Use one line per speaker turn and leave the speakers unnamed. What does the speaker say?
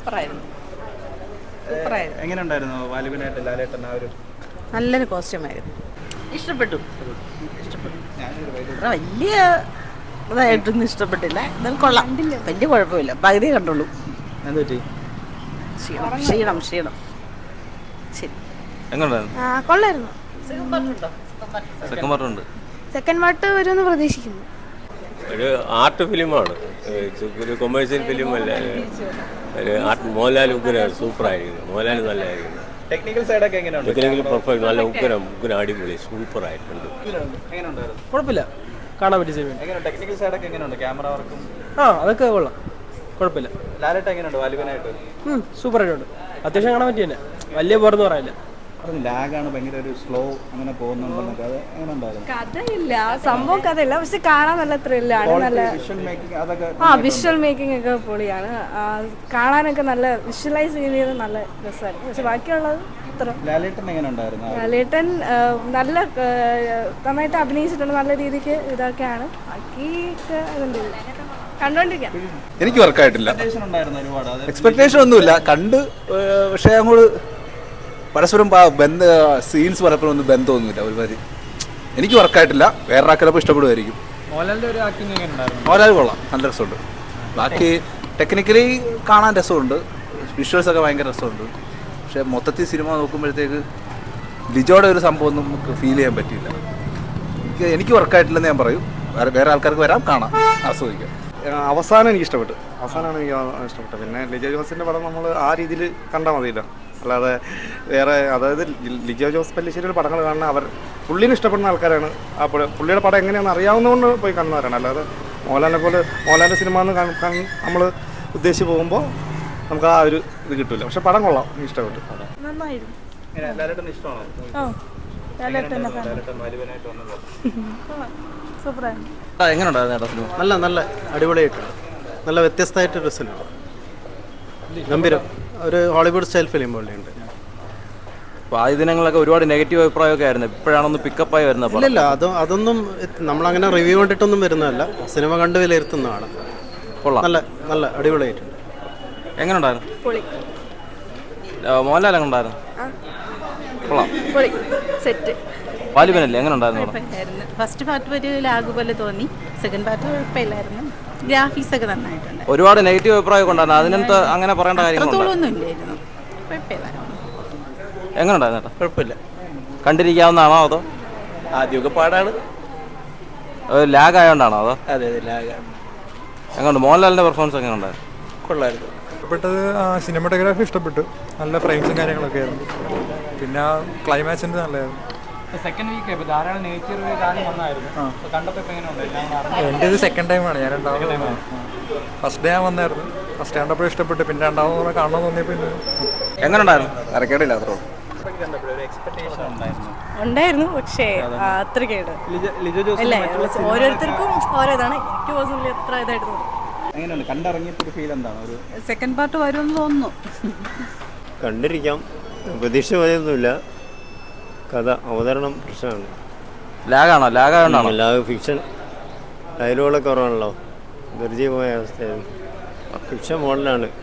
സൂപ്പറായിരുന്നു.
എങ്ങനെ ഉണ്ടായിരുന്നു വാലുവിനായിട്ട് ലാലേട്ടൻ ആ ഒരു
നല്ലൊരു കോസ്റ്റ്യൂമായിരുന്നു. ഇഷ്ടപ്പെട്ടു. വലിയ ഇതായിട്ടൊന്നും ഇഷ്ടപ്പെട്ടില്ല. എന്നാലും കൊള്ളാം, വലിയ കുഴപ്പമില്ല. പകുതി കണ്ടുള്ളൂ.
എന്തുപറ്റി?
ക്ഷീണം. ശരി,
കൊള്ളായിരുന്നു.
സെക്കൻഡ് പാർട്ട് വരുമെന്ന് പ്രതീക്ഷിക്കുന്നു.
ഒരു ആർട്ട് ഫിലിമാണ്, ഒരു കൊമേഴ്സ്യൽ ഫിലിം അല്ല. ഒരു മോഹൻലാൽ സൂപ്പറായിരിക്കുന്നു. മോഹൻലാൽ നല്ലതായിരിക്കുന്നു.
ടെക്നിക്കൽ സൈഡൊക്കെ എങ്ങനെയുണ്ട്?
ടെക്നിക്കൽ പെർഫെക്റ്റ്, നല്ല ഉഗ്രം അടിപൊളി സൂപ്പറായിട്ടുണ്ട്.
എങ്ങനെയുണ്ടായിരുന്നു?
കുഴപ്പമില്ല, കാണാൻ പറ്റിയ സിനിമ.
ടെക്നിക്കൽ സൈഡൊക്കെ എങ്ങനെയുണ്ട്? ക്യാമറ വർക്കും
അതൊക്കെ കൊള്ളാം, കുഴപ്പമില്ല.
ലാലേട്ടൻ എങ്ങനെയുണ്ട് വാലുവിനായിട്ട്?
സൂപ്പറായിട്ടുണ്ട്. അത്യാവശ്യം കാണാൻ പറ്റിയ തന്നെ, വലിയ പോരെന്ന് പറയാനില്ല.
ലാഗാണ്, ഭയങ്കര ഒരു സ്ലോ അങ്ങനെ പോകുന്നുണ്ടെന്നൊക്കെ. അത് എങ്ങനെ ഉണ്ടായിരുന്നു?
കഥയില്ല, സംഭവം കഥയില്ല, പക്ഷെ കാണാൻ നല്ല ത്രില്ലാണ്. നല്ല വിഷ്വൽ മേക്കിംഗ് ഒക്കെ പൊളിയാണ്. കാണാനൊക്കെ നല്ല വിഷ്വലൈസ് ചെയ്ത് നല്ല രസമായിരുന്നു. പക്ഷെ ബാക്കിയുള്ളത്
ലാലേട്ടൻ എങ്ങനെ ഉണ്ടായിരുന്നു?
ലാലേട്ടൻ നല്ല നന്നായിട്ട് അഭിനയിച്ചിട്ടുണ്ട്. നല്ല രീതിക്ക് ഇതൊക്കെയാണ്. ബാക്കിയൊക്കെ കണ്ടോണ്ടിരിക്കാം.
എനിക്ക് വർക്കായിട്ടില്ല.
എക്സ്പെക്ടേഷൻ
ഒന്നുമില്ല, കണ്ട്. പക്ഷേ അങ്ങോട്ട് പരസ്പരം സീൻസ് പലപ്പോഴും ഒന്നും ബന്ധമൊന്നുമില്ല. ഒരുമാതിരി എനിക്ക് വർക്കായിട്ടില്ല. വേറൊരാൾക്കപ്പോൾ ഇഷ്ടപ്പെടുമായിരിക്കും. മോഹൻലാൽ കൊള്ളാം, നല്ല രസമുണ്ട്. ബാക്കി ടെക്നിക്കലി കാണാൻ രസമുണ്ട്, വിഷ്വൽസ് ഒക്കെ ഭയങ്കര രസമുണ്ട്. പക്ഷേ മൊത്തത്തിൽ സിനിമ നോക്കുമ്പോഴത്തേക്ക് ലിജോയുടെ ഒരു സംഭവം ഒന്നും നമുക്ക് ഫീൽ ചെയ്യാൻ പറ്റിയില്ല. എനിക്ക് വർക്കായിട്ടില്ലെന്ന് ഞാൻ പറയും. വേറെ ആൾക്കാർക്ക് വരാം, കാണാം, ആസ്വദിക്കാം.
അവസാനം എനിക്ക് ഇഷ്ടപ്പെട്ടു. അവസാനമാണ് എനിക്ക് ഇഷ്ടപ്പെട്ടത്. പിന്നെ ലിജോ ജോസിൻ്റെ പടം നമ്മൾ ആ രീതിയിൽ കണ്ടാൽ മതിയല്ലോ, അല്ലാതെ വേറെ അതായത് ലിജോ ജോസ് പല്ലിശ്ശേരിയുടെ പടങ്ങൾ കാണുന്ന പുള്ളിനെ ഇഷ്ടപ്പെടുന്ന ആൾക്കാരാണ്. ആ പുള്ളിയുടെ പടം എങ്ങനെയാണെന്ന് അറിയാവുന്നതുകൊണ്ട് പോയി കാണുന്നവരാണ്. അല്ലാതെ മോഹൻലാലിൻ്റെ സിനിമ എന്ന് നമ്മൾ ഉദ്ദേശിച്ച് പോകുമ്പോൾ നമുക്ക് ആ ഒരു ഇത് കിട്ടില്ല. പക്ഷെ പടം കൊള്ളാം, എനിക്ക് ഇഷ്ടപ്പെട്ടു.
നന്നായിരുന്നു. സൂപ്പറായിരുന്നു.
നല്ല നല്ല അടിപൊളിയായിട്ടുണ്ട്. നല്ല വ്യത്യസ്തമായിട്ടൊരു സിനിമ, ഗംഭീരം. ഒരു ഹോളിവുഡ് സ്റ്റൈൽ ഫിലിം പോലെയുണ്ട്.
ആദ്യ ദിനങ്ങളൊക്കെ ഒരുപാട് നെഗറ്റീവ് അഭിപ്രായമൊക്കെ ആയിരുന്നു. ഇപ്പോഴാണൊന്ന് പിക്കപ്പായി വരുന്നത്.
ഇല്ല, അതൊന്നും നമ്മളങ്ങനെ റിവ്യൂ കണ്ടിട്ടൊന്നും വരുന്നതല്ല, സിനിമ കണ്ട് വിലയിരുത്തുന്നതാണ്.
കൊള്ളാം,
നല്ല നല്ല അടിപൊളിയായിട്ടുണ്ട്.
എങ്ങനെ ഉണ്ടായിരുന്നു? മോഹൻലാൽ എങ്ങനെ ഉണ്ടായിരുന്നു? കൊള്ളാം. വാലുവിനല്ലേ, എങ്ങനെ ഉണ്ടായിരുന്നു?
ഫസ്റ്റ് പാർട്ട് ഒരു ലാഗ് പോലെ തോന്നി. സെക്കൻഡ് പാർട്ട് കുഴപ്പമില്ലായിരുന്നു. ഗ്രാഫിക്സ് ഒക്കെ നന്നായിട്ടുണ്ട്.
ഒരുപാട് നെഗറ്റീവ് അഭിപ്രായം ഉണ്ടായിരുന്നു. അതിനകത്ത് അങ്ങനെ പറയേണ്ട
കാര്യങ്ങളൊന്നും ഇല്ലായിരുന്നു. കുഴപ്പമില്ല.
എങ്ങനെ ഉണ്ടായിരുന്നു?
കുഴപ്പമില്ല,
കണ്ടിരിക്കാവുന്നതാണോ അതോ
ആദ്യമൊക്കെ പാടാണ്,
ലാഗ് ആയതുകൊണ്ടാണോ അതോ?
അതെ ലാഗാണ്.
എങ്ങനെയുണ്ട് മോഹൻലാലിൻ്റെ പെർഫോമൻസ്? എങ്ങനെ ഉണ്ടായിരുന്നു?
കൊള്ളായിരുന്നു.
ഇഷ്ടപ്പെട്ടത് സിനിമാറ്റോഗ്രാഫി ഇഷ്ടപ്പെട്ടു. നല്ല ഫ്രെയിംസും കാര്യങ്ങളൊക്കെ ആയിരുന്നു. പിന്നെ ക്ലൈമാക്സിൻ്റെ നല്ലതായിരുന്നു.
സെക്കൻഡ് വീക്ക് ധാരാളം നെഗറ്റീവ് വന്നായിരുന്നു.
എൻ്റെ ഇത് സെക്കൻഡ് ടൈമാണ്. ഞാൻ രണ്ടാമത് ഫസ്റ്റ് ഡേ ഞാൻ വന്നായിരുന്നു. ഫസ്റ്റ് കണ്ടപ്പോൾ ഇഷ്ടപ്പെട്ടു. പിന്നെ രണ്ടാമത് കാണാൻ തോന്നിയപ്പോൾ
എങ്ങനെ ഉണ്ടായിരുന്നു?
അരക്കേടില്ല, അത്രേ
ഉണ്ടായിരുന്നു. പക്ഷേ അത്ര കേട് അല്ലേ, ഓരോരുത്തർക്കും ഓരോ ഇതാണ്. എനിക്ക് പേഴ്സണലി അത്ര ഇതായിട്ട് തോന്നി.
എങ്ങനെയുണ്ട് കണ്ടിറങ്ങിയപ്പോൾ ഫീൽ എന്താണ്? ഒരു
സെക്കൻഡ് പാർട്ട് വരുമെന്ന് തോന്നുന്നു.
കണ്ടിരിക്കാം, പ്രതീക്ഷ പോലെയൊന്നുമില്ല. കഥ അവതരണം പ്രശ്നമാണ്.
ലാഗാണോ? ലാഗാണോ?
ലാഗ് ഫിക്ഷൻ ഡയലോഗുകളൊക്കെ കുറവാണല്ലോ, ധൃതി പോയ അവസ്ഥയായിരുന്നു. ഫിക്ഷൻ മോഡലാണ്.